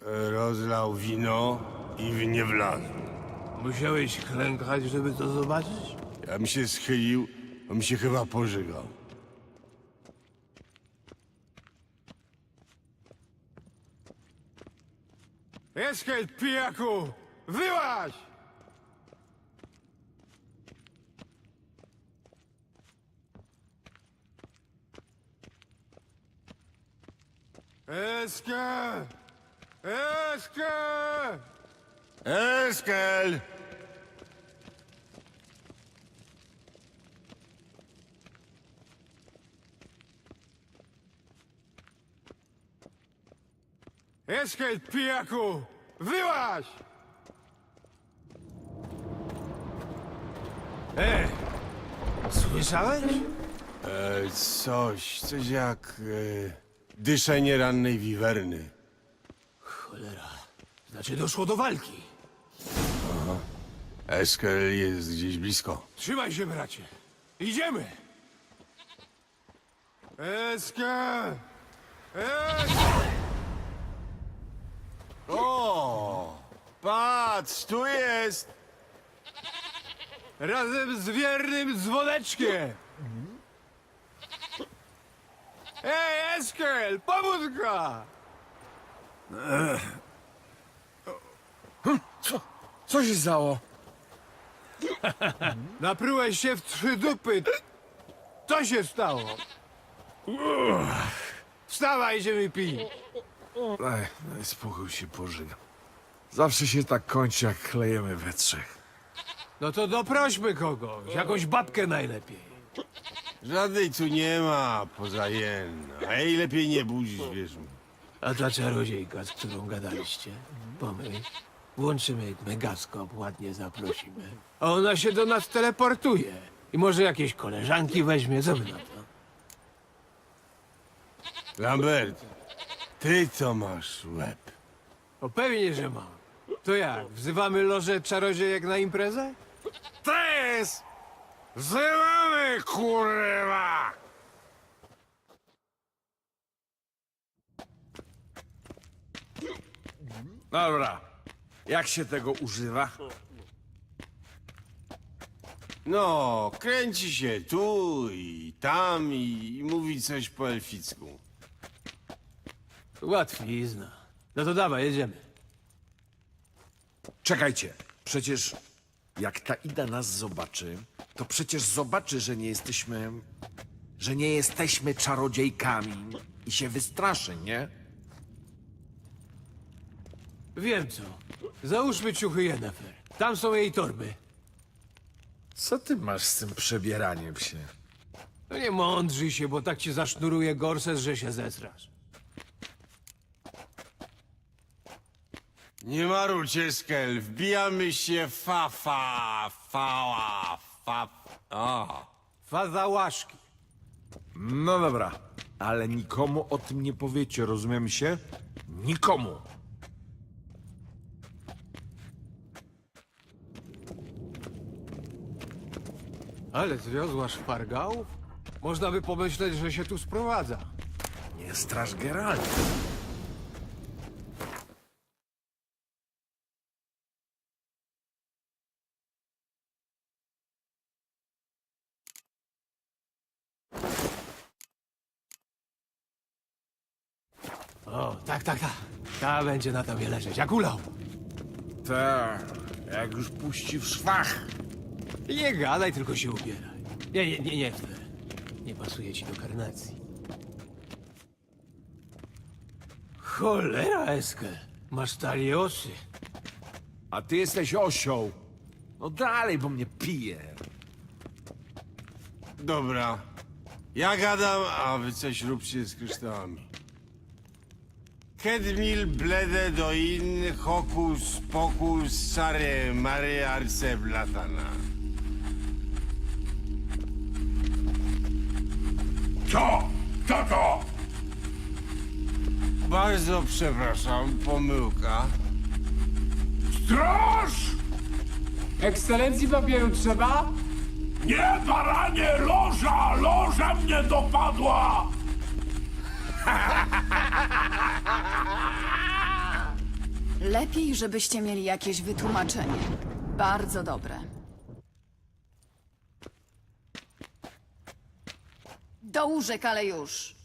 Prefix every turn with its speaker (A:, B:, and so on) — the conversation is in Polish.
A: Rozlał wino i w nie wlazł.
B: Musiałeś klękać, żeby to zobaczyć?
A: Ja mi się schylił, on mi się chyba pożygał.
B: Eskel, pijaku! Wyłaź! Eskel! Eskel!
A: Eskel!
B: Eskel, pijaku! Wyłaź! Słyszałeś?
A: Coś jak dyszenie rannej wiwerny.
B: Cholera. Znaczy doszło do walki.
A: Eskel jest gdzieś blisko.
B: Trzymaj się, bracie. Idziemy! Eskel! Eskel!
A: O! Patrz, tu jest!
B: Razem z wiernym dzwoneczkiem! Ej, Eskel! Pobudka!
C: Co się stało?
B: Naprułeś się w 3 dupy. Co się stało? Wstawaj, idziemy pić.
C: Daj spokój, się pożygam. Zawsze się tak kończy, jak klejemy we trzech.
B: No to doprośmy kogoś. Jakąś babkę najlepiej.
A: Żadnej tu nie ma, poza Jen. A jej lepiej nie budzić, wierz mi.
B: A ta czarodziejka, z którą gadaliście? Pomyśl. Włączymy megaskop, ładnie zaprosimy. A ona się do nas teleportuje. I może jakieś koleżanki weźmie, co by na to?
A: Lambert, ty to masz łeb.
B: O pewnie, że mam. To jak, wzywamy lożę czarodziejek na imprezę?
C: Tres! Zrywamy, kurwa! Dobra. Jak się tego używa?
A: No, kręci się tu i tam i mówi coś po elficku.
B: Łatwizna. No to dawaj, jedziemy.
C: Czekajcie. Przecież jak ta Ida nas zobaczy, to przecież zobaczy, że nie jesteśmy... że nie jesteśmy czarodziejkami i się wystraszy, nie?
B: Wiem co. Załóżmy ciuchy Yennefer. Tam są jej torby.
C: Co ty masz z tym przebieraniem się?
B: No nie mądrzyj się, bo tak ci zasznuruje gorset, że się zesrasz.
A: Nie marudź, Eskel, wbijamy się O.
B: Faza łaszki.
C: No dobra, ale nikomu o tym nie powiecie, rozumiemy się? Nikomu!
B: Ale zwiozła szpargałów? Można by pomyśleć, że się tu sprowadza.
C: Nie straż Geralta.
B: O, tak. Ta będzie na tobie leżeć, jak ulał.
C: Tak, jak już puści w szwach.
B: Nie gadaj, tylko się ubieraj. Nie chcę. Nie pasuje ci do karnacji. Cholera, Eskel. Masz taliosy.
C: A ty jesteś osioł. No dalej, bo mnie pije.
A: Dobra, ja gadam, a wy coś róbcie z kryształami. Kedmil blede do in hokus pokus sare mare arce blatana.
D: Co? Co to?
A: Bardzo przepraszam, pomyłka.
D: Straż!
E: Ekscelencji papieru trzeba?
D: Nie, baranie, loża! Loża mnie dopadła!
F: Lepiej, żebyście mieli jakieś wytłumaczenie. Bardzo dobre. Do łóżek, ale już.